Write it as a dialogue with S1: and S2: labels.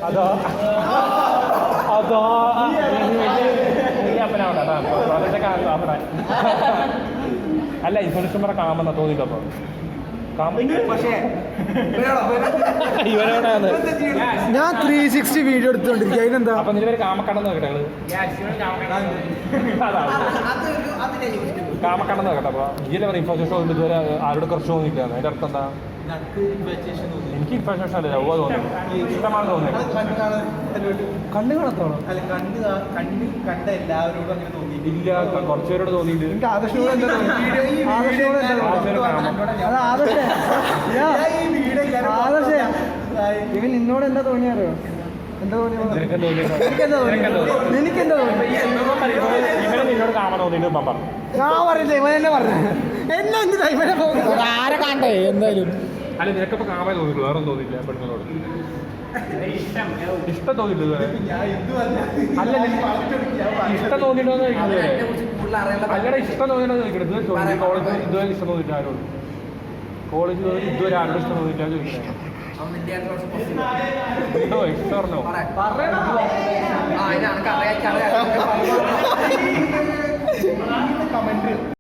S1: അതോ അതോ അപ്പനാവട്ടെ അവിടെ അല്ല ഇൻഫ്ലുവൻസർമാരെ കാണാമെന്നാ തോന്നിയിട്ടപ്പോ ഇവരോടാണ്
S2: ഞാൻ 360 വീഡിയോ എടുത്തോണ്ടിരിക്കുക. അതിനെന്താ
S1: അപ്പൊ നിലവരെ കാമക്കണ്ണെന്ന് നോക്കട്ടെ കാമക്കണ്ണെന്ന് നോക്കട്ടെ. അപ്പൊ ഇതിലെ ഇൻഫോർമേഷൻ തോന്നുന്നു ഇതുവരെ ആരോട് കുറച്ച് തോന്നിയില്ല. അതിന്റെ അർത്ഥം എന്താ? എനിക്ക് ഇൻഫോർമേഷൻ അല്ല ലവ് തോന്നുന്നു, ഇഷ്ടമാണ് തോന്നുന്നത്.
S2: കണ്ണു കാണത്തോളം
S3: കണ്ട എല്ലാവരോടും അങ്ങനെ തോന്നിയിട്ടില്ല.
S1: ഇല്ല, കുറച്ചുപേരോട് തോന്നിയിട്ടുണ്ട്.
S2: എനിക്ക് ആദർശനോട് എന്താ ആദർശ ഇവൻ നിന്നോട് എന്താ തോന്നിയാറോ? എന്താ തോന്നിയത്? നിനക്കെന്താ തോന്നി?
S1: ഇവരെ നിന്നോട് കാമ തോന്നിയിട്ട് പറഞ്ഞു.
S2: ഞാൻ പറഞ്ഞില്ല, ഇവൻ എന്നെ പറഞ്ഞു. എന്നെ എന്തിനാ ഇവനെ പോകുന്നത്? ആരെ കാണണ്ടേ എന്തായാലും.
S1: അല്ല നിനക്കിപ്പോ കാമേ തോന്നിയിട്ടു, വേറെ തോന്നിയില്ല പെണ്ണുങ്ങളോട്? ഇഷ്ടം തോന്നിയില്ല? അല്ല ഇഷ്ടം തോന്നിയിട്ടോന്ന് ചോദിക്കുന്നത്. അല്ലടാ ഇഷ്ടം തോന്നിയിട്ടോന്ന് ചോദിക്കണത്. കോളേജ് ഇതുവരെ ഇഷ്ടം തോന്നിയില്ല ആരോട്? കോളേജ് ഇതുവരെ ആരോട് ഇഷ്ടം തോന്നിയില്ല ചോദിക്കുന്നത്. ഇഷ്ടം പറഞ്ഞോ?